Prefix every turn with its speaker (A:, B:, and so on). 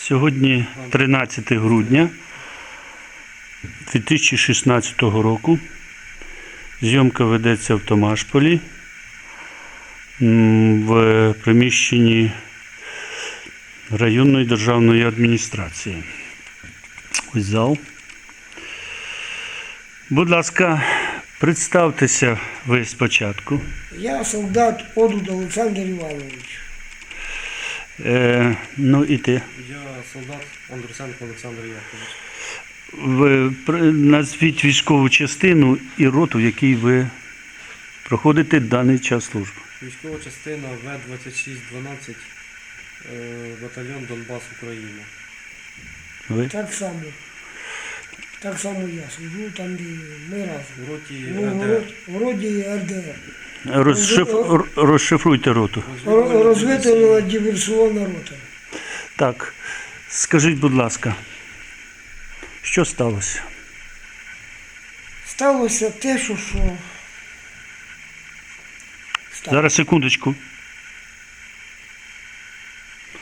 A: Сьогодні 13 грудня 2016 року. Зйомка ведеться в Томашполі в приміщенні районної державної адміністрації. Ось зал. Будь ласка, представтеся ви спочатку.
B: Я солдат Одуд Олександр Іванович.
A: Ну і ти.
C: Я солдат Андрусенко Олександр Яковлевич.
A: Назвіть військову частину і роту, в якій ви проходите даний час служби.
C: Військова частина В-2612, батальйон Донбас, Україна.
A: Ви?
B: Так само я служу, там де ми разом.
C: В роті
B: Ну,
C: РДР.
B: в роді РДР.
A: Розшифруйте роту.
B: Розвитана диверсіонна рота.
A: Так, скажіть, будь ласка, що сталося?
B: Сталося те, що сталося.
A: Зараз, секундочку.